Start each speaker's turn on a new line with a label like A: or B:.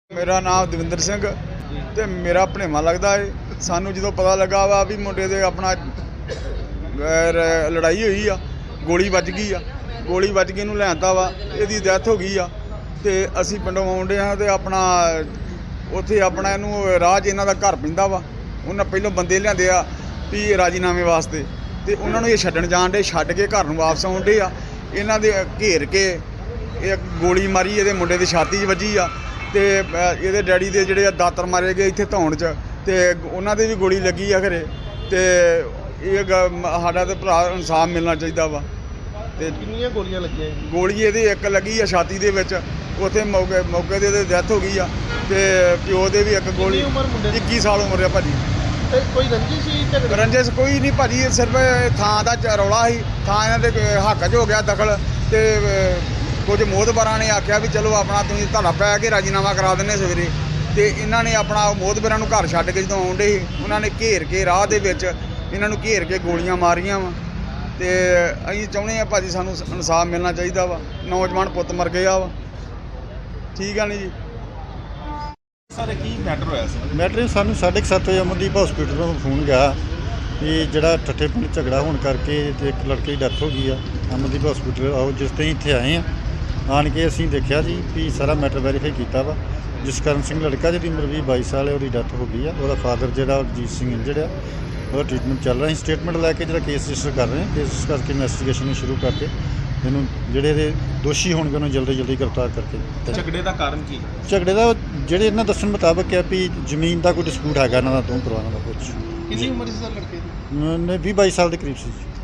A: ਮੇਰਾ ਨਾਮ ਦਵਿੰਦਰ ਸਿੰਘ ਤੇ ਮੇਰਾ ਭਣੇਵਾਂ ਲੱਗਦਾ ਹੈ। ਸਾਨੂੰ ਜਦੋਂ ਪਤਾ ਲੱਗਾ ਵਾ ਵੀ ਮੁੰਡੇ ਦੇ ਆਪਣਾ ਲੜਾਈ ਹੋਈ ਆ, ਗੋਲੀ ਵੱਜ ਗਈ ਆ, ਗੋਲੀ ਵੱਜ ਕੇ ਇਹਨੂੰ ਲਿਆਂਦਾ ਵਾ, ਇਹਦੀ ਡੈਥ ਹੋ ਗਈ ਆ ਤੇ ਅਸੀਂ ਪਿੰਡੋਂ ਆਉਂਦੇ ਹਾਂ ਤੇ ਆਪਣਾ ਉੱਥੇ ਆਪਣਾ ਇਹਨੂੰ ਰਾਹ 'ਚ ਇਹਨਾਂ ਦਾ ਘਰ ਪੈਂਦਾ ਵਾ। ਉਹਨਾਂ ਪਹਿਲੋਂ ਬੰਦੇ ਲਿਆਂਦੇ ਆ ਵੀ ਰਾਜੀਨਾਮੇ ਵਾਸਤੇ ਤੇ ਉਹਨਾਂ ਨੂੰ ਇਹ ਛੱਡਣ ਜਾਣ ਡੇ, ਛੱਡ ਕੇ ਘਰ ਨੂੰ ਵਾਪਸ ਆਉਂਦੇ ਆ। ਇਹਨਾਂ ਦੇ ਘੇਰ ਕੇ ਇਹ ਗੋਲੀ ਮਾਰੀ, ਇਹਦੇ ਮੁੰਡੇ ਦੀ ਛਾਤੀ 'ਚ ਵੱਜੀ ਆ ਤੇ ਇਹਦੇ ਡੈਡੀ ਦੇ ਜਿਹੜੇ ਦਾਤਰ ਮਾਰੇ ਗਏ ਇੱਥੇ ਧੌਣ 'ਚ ਤੇ ਉਹਨਾਂ ਦੇ ਵੀ ਗੋਲੀ ਲੱਗੀ ਆ ਘਰੇ। ਤੇ ਇਹ ਸਾਡਾ ਤੇ ਭਰਾ ਇਨਸਾਫ ਮਿਲਣਾ ਚਾਹੀਦਾ ਵਾ। ਤੇ
B: ਕਿੰਨੀਆਂ ਗੋਲੀਆਂ ਲੱਗੀਆਂ?
A: ਗੋਲੀ ਇਹਦੀ ਇੱਕ ਲੱਗੀ ਆ ਛਾਤੀ ਦੇ ਵਿੱਚ, ਉੱਥੇ ਮੌਕੇ ਤੇ ਡੈਥ ਹੋ ਗਈ ਆ। ਤੇ ਪਿਓ ਦੇ ਵੀ ਇੱਕ ਗੋਲੀ।
B: ਉਮਰ ਮੁੰਡੇ ਦੀ?
A: 21 ਸਾਲ ਉਮਰ ਆ ਭਾਜੀ।
B: ਤੇ ਕੋਈ ਰੰਜਿਸ਼ ਸੀ ਝਗੜੇ?
A: ਰੰਜਿਸ਼ ਕੋਈ ਨਹੀਂ ਭਾਜੀ, ਇਹ ਸਿਰਫ ਥਾਂ ਦਾ ਰੌਲਾ ਸੀ। ਥਾਂ ਇਹਨਾਂ ਦੇ ਹੱਕ 'ਚ ਹੋ ਗਿਆ ਦਖਲ ਤੇ ਕੁਝ ਮੋਹਤਬਰਾਂ ਨੇ ਆਖਿਆ ਵੀ ਚਲੋ ਆਪਣਾ ਤੁਸੀਂ ਧੜਾ ਪੈ ਕੇ ਰਾਜੀਨਾਮਾ ਕਰਾ ਦਿੰਦੇ ਸਵੇਰੇ। ਤੇ ਇਹਨਾਂ ਨੇ ਆਪਣਾ ਮੋਹਤਬਰਾਂ ਨੂੰ ਘਰ ਛੱਡ ਕੇ ਜਦੋਂ ਆਉਂਦੇ ਸੀ ਉਹਨਾਂ ਨੇ ਘੇਰ ਕੇ ਰਾਹ ਦੇ ਵਿੱਚ ਇਹਨਾਂ ਨੂੰ ਘੇਰ ਕੇ ਗੋਲੀਆਂ ਮਾਰੀਆਂ ਵਾ। ਤੇ ਅਸੀਂ ਚਾਹੁੰਦੇ ਹਾਂ ਭਾਜੀ ਸਾਨੂੰ ਇਨਸਾਫ ਮਿਲਣਾ ਚਾਹੀਦਾ ਵਾ। ਨੌਜਵਾਨ ਪੁੱਤ ਮਰ ਗਿਆ ਵਾ। ਠੀਕ ਆ ਨਹੀਂ ਜੀ।
B: ਸਾਰੇ ਕੀ ਮੈਟਰ ਹੋਇਆ ਸੀ?
C: ਮੈਟਰ ਸਾਨੂੰ 7:30 ਵਜੇ ਅਮਨਦੀਪ ਹਸਪੀਟਲ ਤੋਂ ਫੋਨ ਗਿਆ ਵੀ ਜਿਹੜਾ ਠੱਠੇ ਪਿੰਡ ਝਗੜਾ ਹੋਣ ਕਰਕੇ ਤੇ ਇੱਕ ਲੜਕੇ ਦੀ ਡੈਥ ਹੋ ਗਈ ਆ। ਅਮਨਦੀਪ ਹਸਪੀਟਲ ਆਓ, ਜਿਸ ਤੇ ਇੱਥੇ ਆਏ ਆ। ਆਣ ਕੇ ਅਸੀਂ ਦੇਖਿਆ ਜੀ ਵੀ ਸਾਰਾ ਮੈਟਰ ਵੈਰੀਫਾਈ ਕੀਤਾ ਵਾ। ਜਸਕਰਨ ਸਿੰਘ ਲੜਕਾ ਜਿਹਦੀ ਉਮਰ 20-22 ਸਾਲ ਹੈ, ਉਹਦੀ ਡੈਥ ਹੋ ਗਈ ਆ। ਉਹਦਾ ਫਾਦਰ ਜਿਹੜਾ ਅਜੀਤ ਸਿੰਘ ਇੰਜਰਡ ਆ, ਉਹਦਾ ਟ੍ਰੀਟਮੈਂਟ ਚੱਲ ਰਿਹਾ। ਅਸੀਂ ਸਟੇਟਮੈਂਟ ਲੈ ਕੇ ਜਿਹੜਾ ਕੇਸ ਰਜਿਸਟਰ ਕਰ ਰਹੇ ਹਾਂ। ਕੇਸ ਕਰਕੇ ਇਨਵੈਸਟੀਗੇਸ਼ਨ ਨੂੰ ਸ਼ੁਰੂ ਕਰਕੇ ਇਹਨੂੰ ਜਿਹੜੇ ਇਹਦੇ ਦੋਸ਼ੀ ਹੋਣਗੇ ਉਹਨੂੰ ਜਲਦੀ ਗ੍ਰਿਫਤਾਰ ਕਰਕੇ।
B: ਝਗੜੇ ਦਾ ਕਾਰਨ ਕੀ?
C: ਝਗੜੇ ਦਾ ਜਿਹੜੇ ਇਹਨਾਂ ਦੱਸਣ ਮੁਤਾਬਕ ਹੈ ਵੀ ਜ਼ਮੀਨ ਦਾ ਕੋਈ ਡਿਸਪਿਊਟ ਹੈਗਾ ਇਹਨਾਂ ਦਾ, ਦੋ ਪਰਿਵਾਰਾਂ ਦਾ ਕੁਝ।
B: ਕਿੰਨੀ ਉਮਰ ਸੀ ਲੜਕੇ ਦੀ?
C: ਨੇ 20-22 ਸਾਲ ਦੇ ਕਰੀਬ ਸੀ।